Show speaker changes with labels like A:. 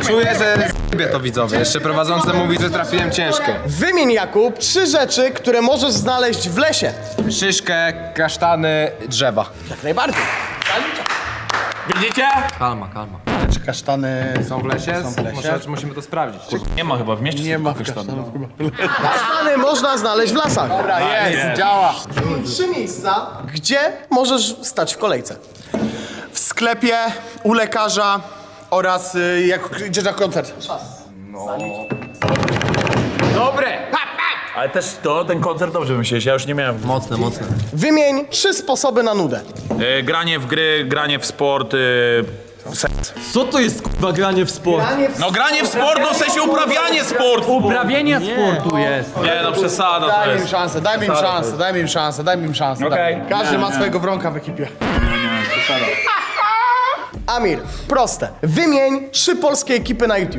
A: Czuję, że zjebie to widzowie. Jeszcze prowadzący mówi, że trafiłem ciężko.
B: Wymień, Jakub, 3 rzeczy, które możesz znaleźć w lesie.
A: Szyszkę, kasztany, drzewa.
B: Jak najbardziej.
C: Widzicie?
D: Kalma, kalma.
E: Czy kasztany
A: Są w lesie? Musimy to sprawdzić.
C: Nie ma chyba, w mieście
E: nie
C: są
E: ma
C: kasztanu.
B: Kasztany można znaleźć w lasach.
E: Dobra, jest, działa.
B: 3 miejsca, gdzie możesz stać w kolejce.
E: W sklepie, u lekarza oraz jak idziesz na koncert.
C: Dobre! Ale też ten koncert dobrze wymyśliłeś, ja już nie miałem.
D: Mocne, mocne.
B: Wymień 3 sposoby na nudę.
C: Granie w gry, granie w sport.
D: Co to jest kurwa granie w sport?
C: No granie w sport, no w sensie uprawianie sportu!
D: Uprawienie sportu jest.
C: Nie no, przesada to
E: Daj mi im
C: jest.
E: szansę, daj mi im szansę, daj mi im szansę, daj mi im szansę.
C: Okej.
E: daj. Każdy ma swojego wronka w ekipie.
B: Amir, proste. Wymień 3 polskie ekipy na YouTube.